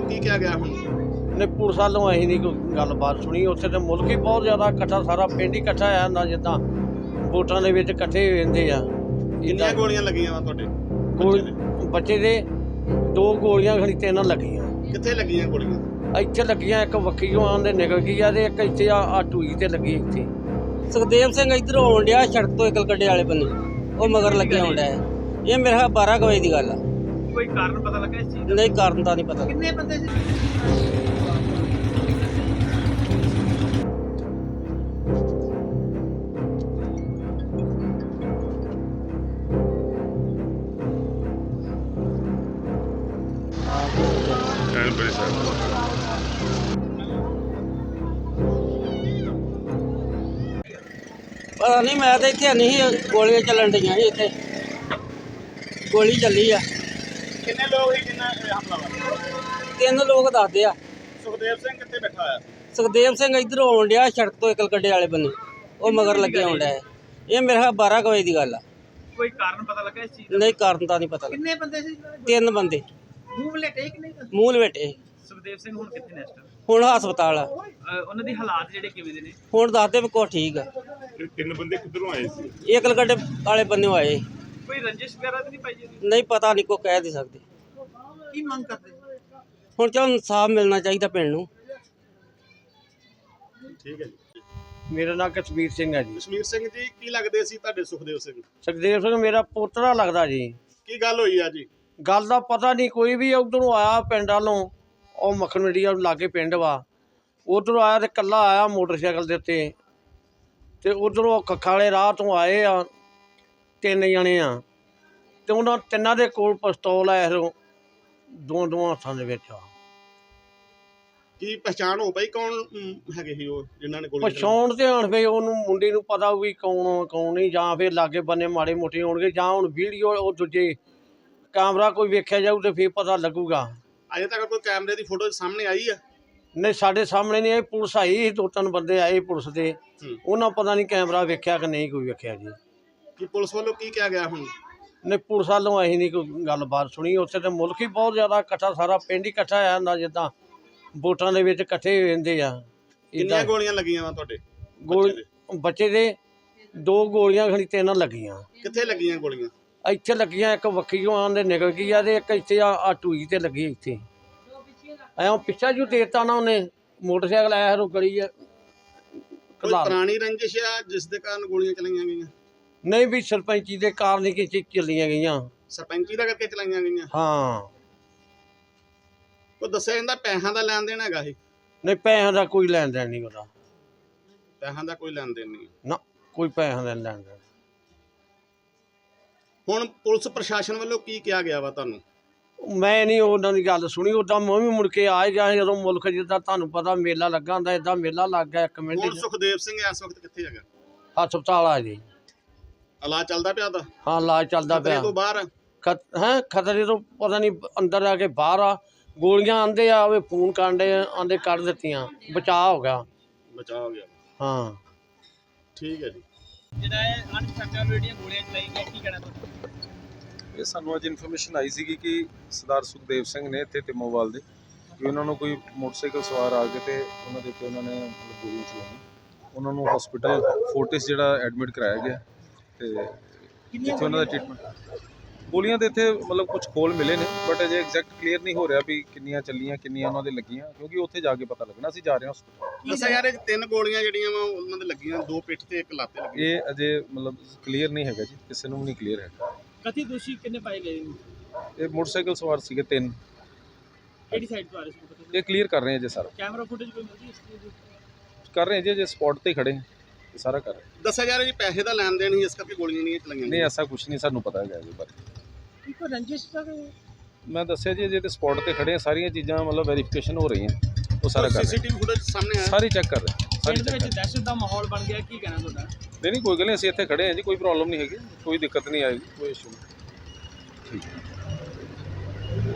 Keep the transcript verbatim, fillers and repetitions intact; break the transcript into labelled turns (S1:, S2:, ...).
S1: ਕੀ ਕਿਹਾ ਗਿਆ ਹੁਣ?
S2: ਨੇ ਪੁਲਿਸ ਵੱਲੋਂ ਅਸੀਂ ਨਹੀਂ ਕੋਈ ਗੱਲਬਾਤ ਸੁਣੀ। ਉੱਥੇ ਤੇ ਮੁਲਕ ਹੀ ਬਹੁਤ ਜ਼ਿਆਦਾ ਇਕੱਠਾ, ਸਾਰਾ ਪਿੰਡ ਹੀ ਇਕੱਠਾ ਆ ਹੁੰਦਾ, ਜਿੱਦਾਂ ਵੋਟਾਂ ਦੇ ਵਿੱਚ ਇਕੱਠੇ ਹੋ ਜਾਂਦੇ ਆ।
S1: ਕਿੰਨੀਆਂ ਗੋਲੀਆਂ ਲੱਗੀਆਂ ਵਾ ਤੁਹਾਡੇ
S2: ਗੋਲ ਬੱਚੇ ਦੇ ਦੋ ਗੋਲੀਆਂ ਖਣੀ ਤਿੰਨ ਲੱਗੀਆਂ।
S1: ਕਿੱਥੇ ਲੱਗੀਆਂ ਗੋਲੀਆਂ?
S2: ਇੱਥੇ ਲੱਗੀਆਂ, ਇੱਕ ਵੱਖੀਓਂ ਆਂਦੇ ਨਿਕਲ ਗਈ ਆ ਤੇ ਇੱਕ ਇੱਥੇ ਆ ਆ ਟੂਈ ਤੇ ਲੱਗੀ ਇੱਥੇ।
S3: ਸੁਖਦੇਵ ਸਿੰਘ ਇੱਧਰੋਂ ਆਉਣ ਡਿਆ ਸੜਕ ਤੋਂ ਇਕਲ ਕੱਡੇ ਵਾਲੇ ਬੰਨੇ, ਉਹ ਮਗਰ ਲੱਗਿਆ ਆਉਣ ਡਿਆ। ਇਹ ਮੇਰੇ ਖਿਆਲ ਬਾਰਾਂ ਕੁ ਵਜੇ ਦੀ ਗੱਲ ਆ।
S1: ਕੋਈ ਕਾਰਨ ਪਤਾ ਲੱਗਾ ਇਸ ਚੀਜ਼ ਦਾ?
S3: ਨਹੀਂ, ਕਾਰਨ ਤਾਂ ਨਹੀਂ ਪਤਾ।
S1: ਕਿੰਨੇ ਬੰਦੇ ਸੀ?
S4: ਬੜੀ ਸਾਹਿਬ
S3: ਪਤਾ ਨਹੀਂ, ਮੈਂ ਤਾਂ ਇੱਥੇ ਨਹੀਂ ਸੀ, ਗੋਲੀਆਂ ਚੱਲਣ ਡੀਆਂ ਸੀ ਇੱਥੇ, ਗੋਲੀ ਚੱਲੀ ਆ।
S1: ਕਿੰਨੇ ਲੋਕ ਸੀ ਜਿੰਨਾ ਹਮਲਾਵਰ?
S3: ਤਿੰਨ ਲੋਕ ਦੱਸਦੇ ਆ।
S1: ਸੁਖਦੇਵ ਸਿੰਘ ਕਿੱਥੇ ਬੈਠਾ ਹੋਇਆ?
S3: ਸੁਖਦੇਵ ਸਿੰਘ ਇੱਧਰੋਂ ਆਉਣ ਡਿਆ ਸੜਕ ਤੋਂ ਇਕਲ ਕੱਡੇ ਵਾਲੇ ਬੰਨੇ, ਉਹ ਮਗਰ ਲੱਗਿਆ ਆਉਣ ਡਿਆ। ਇਹ ਮੇਰੇ ਖਿਆਲ ਬਾਰਾਂ ਕੁ ਵਜੇ ਦੀ ਗੱਲ ਆ।
S1: ਕੋਈ ਕਾਰਨ ਪਤਾ ਲੱਗਾ ਇਸ ਚੀਜ਼ ਦਾ?
S3: ਨਹੀਂ, ਕਾਰਨ ਤਾਂ ਨਹੀਂ ਪਤਾ।
S1: ਕਿੰਨੇ ਬੰਦੇ ਸੀ?
S3: ਤਿੰਨ ਬੰਦੇ
S1: ਮੂੰਹ ਲੇਟੇ ਕਿ ਨਹੀਂ?
S3: ਮੂੰਹ ਲਵੇਟੇ।
S1: ਸੁਖਦੇਵ ਸਿੰਘ ਹੁਣ ਕਿੱਥੇ ਨੇ ਇਸ ਟਾਈਮ?
S3: ਹੁਣ ਹਸਪਤਾਲ ਆ।
S1: ਉਹਨਾਂ ਦੀ ਹਾਲਾਤ ਜਿਹੜੇ ਕਿਵੇਂ ਦੇ ਨੇ?
S3: ਹੁਣ ਦੱਸਦੇ ਵੀ ਕੁਛ ਠੀਕ ਆ।
S4: ਤਿੰਨ ਬੰਦੇ ਕਿੱਧਰੋਂ ਆਏ ਸੀ?
S3: ਇਹ ਇਕਲ ਕੱਡੇ ਵਾਲੇ ਬੰਨੇ ਆਏ।
S1: ਕੋਈ ਰੰਜਿਸ਼ ਵਗੈਰਾ ਤਾਂ ਨਹੀਂ ਪਾਈ ਜੀ?
S3: ਨਹੀਂ, ਪਤਾ ਨਹੀਂ, ਕੋਈ ਕਹਿ ਨਹੀਂ ਸਕਦੇ।
S1: ਕੀ ਮੰਗ ਕਰਦੇ?
S3: ਹੁਣ ਚਲ ਇਨਸਾਫ ਮਿਲਣਾ ਚਾਹੀਦਾ ਪਿੰਡ ਨੂੰ।
S1: ਠੀਕ ਹੈ ਜੀ।
S2: ਮੇਰਾ ਨਾਮ ਕਸ਼ਮੀਰ ਸਿੰਘ ਹੈ ਜੀ।
S1: ਕਸ਼ਮੀਰ ਸਿੰਘ ਜੀ, ਕੀ ਲੱਗਦੇ ਸੀ ਤੁਹਾਡੇ ਸੁਖਦੇਵ ਸਿੰਘ?
S2: ਸੁਖਦੇਵ ਸਿੰਘ ਮੇਰਾ ਪੋਤਰਾ ਲੱਗਦਾ ਜੀ।
S1: ਕੀ ਗੱਲ ਹੋਈ ਆ ਜੀ?
S2: ਗੱਲ ਦਾ ਪਤਾ ਨਹੀਂ, ਕੋਈ ਵੀ ਉਧਰੋਂ ਆਇਆ ਪਿੰਡ ਵੱਲੋਂ, ਉਹ ਮੱਖਣ ਮੰਡੀਆ ਲਾਗੇ ਪਿੰਡ ਵਾ, ਉਧਰੋਂ ਆਇਆ ਤੇ ਇਕੱਲਾ ਆਇਆ ਮੋਟਰਸਾਈਕਲ ਦੇ ਉੱਤੇ, ਤੇ ਉਧਰੋਂ ਕੱਖਾਂ ਵਾਲੇ ਰਾਹ ਤੋਂ ਆਏ ਆ ਤਿੰਨ ਜਣੇ ਆ, ਤੇ ਉਹਨਾਂ ਤਿੰਨਾਂ ਦੇ ਕੋਲ ਪਿਸਤੌਲ ਆ, ਇਹੋ ਦੋ ਦੋ ਹੱਥਾਂ ਦੇ ਵਿੱਚ ਆ।
S1: ਕੀ ਪਛਾਣ ਹੋ ਪਈ ਕੌਣ ਅਮ, ਹੈਗੇ ਸੀ ਉਹ ਜਿਨ੍ਹਾਂ ਨੇ ਗੋਲੀ ਚਲਾਈ?
S2: ਪਛਾਣ ਤੇ ਹੁਣ ਫੇ ਉਹਨੂੰ ਮੁੰਡੇ ਨੂੰ ਪਤਾ ਵੀ ਕੌਣ ਆ ਕੌਣ ਨਹੀਂ, ਜਾਂ ਫਿਰ ਲਾਗੇ ਬੰਨੇ ਮਾੜੇ ਮੋਟੇ ਹੋਣਗੇ, ਜਾਂ ਹੁਣ ਵੀਡੀਓ ਉਹ ਦੂਜੇ ਕੈਮਰਾ ਕੋਈ ਵੇਖਿਆ ਜਾਊ ਤੇ ਫਿਰ ਪਤਾ ਲੱਗੂਗਾ।
S1: ਅਜੇ ਤੱਕ ਕੋਈ ਕੈਮਰੇ ਦੀ ਫੋਟੋ ਸਾਹਮਣੇ ਆਈ ਆ?
S2: ਨਹੀਂ, ਸਾਡੇ ਸਾਹਮਣੇ ਨਹੀਂ ਆਈ। ਪੁਲਿਸ ਆਈ ਸੀ, ਦੋ ਤਿੰਨ ਬੰਦੇ ਆਏ ਪੁਲਿਸ ਦੇ, ਉਹਨਾਂ ਪਤਾ ਨਹੀਂ ਕੈਮਰਾ ਵੇਖਿਆ ਕਿ ਨਹੀਂ ਕੋਈ ਵੇਖਿਆ ਜੀ।
S1: ਕੀ ਪੁਲਿਸ ਵੱਲੋਂ ਕੀ ਕਿਹਾ ਗਿਆ ਹੁਣ?
S2: ਨਹੀਂ, ਪੁਲਿਸ ਵੱਲੋਂ ਅਸੀਂ ਨਹੀਂ ਕੋਈ ਗੱਲਬਾਤ ਸੁਣੀ। ਉੱਥੇ ਤੇ ਮੁਲਕ ਹੀ ਬਹੁਤ ਜ਼ਿਆਦਾ ਇਕੱਠਾ, ਸਾਰਾ ਪਿੰਡ ਹੀ ਇਕੱਠਾ ਆ ਹੁੰਦਾ, ਜਿੱਦਾਂ ਵੋਟਾਂ ਦੇ ਵਿੱਚ ਇਕੱਠੇ ਹੋ ਜਾਂਦੇ ਆ।
S1: ਕਿੰਨੀਆਂ ਗੋਲੀਆਂ ਲੱਗੀਆਂ ਵਾ ਤੁਹਾਡੇ
S2: ਗੋਲ ਬੱਚੇ ਦੇ ਦੋ ਗੋਲੀਆਂ ਖਣੀ ਤਿੰਨ ਲੱਗੀਆਂ।
S1: ਕਿੱਥੇ ਲੱਗੀਆਂ ਗੋਲੀਆਂ?
S2: ਇੱਥੇ ਲੱਗੀਆਂ, ਇੱਕ ਵੱਖੀਓਂ ਆਂਦੇ ਨਿਕਲ ਗਈ ਆ ਤੇ ਇੱਕ ਇੱਥੇ ਆ ਆ ਟੂਈ ਤੇ ਲੱਗੀ ਇੱਥੇ। ਐਂ ਪਿੱਛਾ ਜੂ ਦੇਤਾ ਨਾ ਉਹਨੇ, ਮੋਟਰਸਾਈਕਲ ਆਇਆ ਰੋ ਗਲੀ ਆ।
S1: ਕੋਈ ਪੁਰਾਣੀ ਰੰਜਿਸ਼ ਆ ਜਿਸ ਦੇ ਕਾਰਨ ਗੋਲੀਆਂ ਚਲਾਈਆਂ ਗਈਆਂ?
S2: ਨਹੀਂ ਵੀ ਸਰਪੰਚੀ ਦੇ ਕਾਰਨ ਹੀ ਕਿ ਚੱਲੀਆਂ ਗਈਆਂ।
S1: ਸਰਪੰਚੀ ਦਾ ਕਰਕੇ ਚਲਾਈਆਂ ਗਈਆਂ?
S2: ਹਾਂ।
S1: ਉਹ ਦੱਸਿਆ ਜਾਂਦਾ ਪੈਸਿਆਂ ਦਾ ਲੈਣ ਦੇਣ ਹੈਗਾ ਸੀ?
S2: ਨਹੀਂ, ਪੈਸਿਆਂ ਦਾ ਕੋਈ ਲੈਣ ਦੇਣ ਨਹੀਂ ਉਹਦਾ।
S1: ਪੈਸਿਆਂ ਦਾ ਕੋਈ ਲੈਣ ਦੇਣ ਨਹੀਂ?
S2: ਨਾ, ਕੋਈ ਪੈਸਿਆਂ ਦਾ ਲੈਣ ਦੇਣ।
S1: ਹੁਣ ਪੁਲਿਸ ਪ੍ਰਸ਼ਾਸਨ ਵੱਲੋਂ ਕੀ ਕਿਹਾ ਗਿਆ ਵਾ ਤੁਹਾਨੂੰ?
S2: ਮੈਂ ਨਹੀਂ ਉਹਨਾਂ ਦੀ ਗੱਲ ਸੁਣੀ। ਉੱਦਾਂ ਮੈਂ ਵੀ ਮੁੜ ਕੇ ਆ ਹੀ ਗਿਆ ਜਦੋਂ ਮੁਲਕ ਜਿੱਦਾਂ ਤੁਹਾਨੂੰ ਪਤਾ ਮੇਲਾ ਲੱਗਾ ਹੁੰਦਾ, ਏਦਾਂ ਮੇਲਾ ਲੱਗ ਗਿਆ ਇੱਕ ਮਿੰਟ
S1: ਹੁਣ
S2: 'ਚ।
S1: ਸੁਖਦੇਵ ਸਿੰਘ ਇਸ ਵਕਤ ਕਿੱਥੇ ਹੈਗਾ?
S2: ਹਸਪਤਾਲ ਆ ਜੀ।
S1: ਇਲਾਜ ਚੱਲਦਾ ਪਿਆ ਉਹਦਾ?
S2: ਹਾਂ, ਇਲਾਜ ਚੱਲਦਾ
S1: ਖਤਰੇ
S2: ਪਿਆ।
S1: ਤੋਂ ਬਾਹਰ ਆ?
S2: ਖਤ ਹੈਂ ਖਤਰੇ ਤੋਂ ਪਤਾ ਨਹੀਂ ਅੰਦਰ ਆ ਕੇ ਬਾਹਰ ਆ। ਗੋਲੀਆਂ ਆਂਦੇ ਆ, ਉਹ ਫੋਨ ਕਾਂਡੇ ਆਂਦੇ ਕੱਢ ਦਿੱਤੀਆਂ, ਬਚਾਅ ਹੋ ਗਿਆ।
S1: ਬਚਾਅ ਹੋ ਗਿਆ?
S2: ਹਾਂ,
S1: ਠੀਕ ਹੈ ਜੀ।
S5: ਜਿਹੜਾ ਇਹ ਅਨਸਟਰਕਚਰਡ ਜਿਹੜੀਆਂ ਗੋਲੀਆਂ ਚਲਾਈ ਗਈਆਂ, ਕੀ ਕਹਿਣਾ ਤੁਹਾਡਾ?
S6: ਇਹ ਸਾਨੂੰ ਅੱਜ ਇਨਫੋਰਮੇਸ਼ਨ ਆਈ ਸੀਗੀ ਕਿ ਸਰਦਾਰ ਸੁਖਦੇਵ ਸਿੰਘ ਨੇ ਇੱਥੇ ਟਿਮੋਵਾਲ ਦੇ, ਕਿ ਉਹਨਾਂ ਨੂੰ ਕੋਈ ਮੋਟਰਸਾਈਕਲ ਸਵਾਰ ਆ ਕੇ ਤੇ ਉਹਨਾਂ ਦੇ ਉੱਤੇ ਉਹਨਾਂ ਨੇ ਮਤਲਬ ਗੋਲੀਆਂ ਚਲਾਈਆਂ। ਉਹਨਾਂ ਨੂੰ ਹਸਪੀਟਲ ਫੋਰਟਿਸ ਜਿਹੜਾ ਐਡਮਿਟ ਕਰਾਇਆ ਗਿਆ ਤੇ ਜਿੱਥੇ ਉਹਨਾਂ ਦਾ ਟ੍ਰੀਟਮੈਂਟ। ਗੋਲੀਆਂ ਦੇ ਇੱਥੇ ਮਤਲਬ ਕੁਝ ਖੋਲ ਮਿਲੇ ਨੇ, ਬਟ ਅਜੇ ਐਗਜ਼ੈਕਟ ਕਲੀਅਰ ਨਹੀਂ ਹੋ ਰਿਹਾ ਵੀ ਕਿੰਨੀਆਂ ਚੱਲੀਆਂ, ਕਿੰਨੀਆਂ ਉਹਨਾਂ ਦੇ ਲੱਗੀਆਂ, ਕਿਉਂਕਿ ਉੱਥੇ ਜਾ ਕੇ ਪਤਾ ਲੱਗਣਾ। ਅਸੀਂ ਜਾ ਰਹੇ ਹਾਂ ਹਸਪੀਟਲ।
S1: ਦੱਸਿਆ ਯਾਰ ਇਹ ਤਿੰਨ ਗੋਲੀਆਂ ਜਿਹੜੀਆਂ ਵਾ ਉਹਨਾਂ ਦੇ ਲੱਗੀਆਂ, ਦੋ ਪਿੱਠ ਤੇ ਇੱਕ ਲੱਤ ਤੇ ਲੱਗੀ।
S6: ਇਹ ਅਜੇ ਮਤਲਬ ਕਲੀਅਰ ਨਹੀਂ ਹੈਗਾ ਜੀ, ਕਿਸੇ ਨੂੰ ਵੀ ਨਹੀਂ ਕਲੀਅਰ ਹੈਗਾ।
S5: ਕਥਿਤ ਦੋਸ਼ੀ ਕਿੰਨੇ ਪਾਏ ਗਏ ਨੇ?
S6: ਇਹ ਮੋਟਰਸਾਈਕਲ ਸਵਾਰ ਸੀਗੇ ਤਿੰਨ।
S5: ਕਿਹੜੀ ਸਾਈਡ ਤੋਂ ਆ ਰਹੇ ਸੀ?
S6: ਇਹ ਕਲੀਅਰ ਕਰ ਰਹੇ ਹਾਂ ਜੀ, ਸਾਰਾ
S5: ਕੈਮਰਾ ਫੁਟੇਜ ਕੋਈ ਮਿਲਦੀ ਇਸ ਚੀਜ਼ ਦੀ?
S6: ਕਰ ਰਹੇ ਹਾਂ ਜੀ, ਜੇ ਸਪੌਟ ਤੇ ਖੜੇ ਹਾਂ, ਇਹ ਸਾਰਾ ਕਰ ਰਹੇ ਹਾਂ।
S1: ਦੱਸਿਆ ਯਾਰ ਜੀ ਪੈਸੇ ਦਾ ਲੈਣ ਦੇਣ ਸੀ, ਇਸ ਕਰਕੇ ਗੋਲੀਆਂ ਨਹੀਂ ਚਲਾਈਆਂ?
S6: ਨਹੀਂ, ਐਸਾ ਕੁਝ ਨਹੀਂ ਸਾਨੂੰ ਪਤਾ ਹੈਗਾ ਇਹਦੇ ਬਾਰੇ।
S5: ਕੋਈ ਰੰਜਿਸ਼ ਦਾ?
S6: ਮੈਂ ਦੱਸਿਆ ਜੀ, ਜੇ ਤੇ ਸਪੌਟ ਤੇ ਖੜੇ ਆ, ਸਾਰੀਆਂ ਚੀਜ਼ਾਂ ਮਤਲਬ ਵੈਰੀਫਿਕੇਸ਼ਨ ਹੋ ਰਹੀਆਂ, ਉਹ ਸਾਰਾ ਕਰ ਰਹੇ
S1: ਸੀਸੀਟੀਵੀ ਫੁਟੇਜ ਸਾਹਮਣੇ ਆਇਆ?
S6: ਸਾਰੀ ਚੈੱਕ ਕਰ ਰਹੇ ਸਾਰੀ
S5: ਪਿੰਡ ਦੇ
S6: ਚੈੱਕ
S5: ਵਿੱਚ ਦਹਿਸ਼ਤ ਦਾ ਮਾਹੌਲ ਬਣ ਗਿਆ, ਕੀ ਕਹਿਣਾ ਤੁਹਾਡਾ?
S6: ਨਹੀਂ ਨਹੀਂ ਕੋਈ ਗੱਲ ਨਹੀਂ, ਅਸੀਂ ਇੱਥੇ ਖੜੇ ਹਾਂ ਜੀ, ਕੋਈ ਪ੍ਰੋਬਲਮ ਨਹੀਂ ਹੈਗੀ, ਕੋਈ ਦਿੱਕਤ ਨਹੀਂ ਆਏਗੀ, ਕੋਈ ਇਸ਼ੂ ਨਹੀਂ। ਠੀਕ ਹੈ।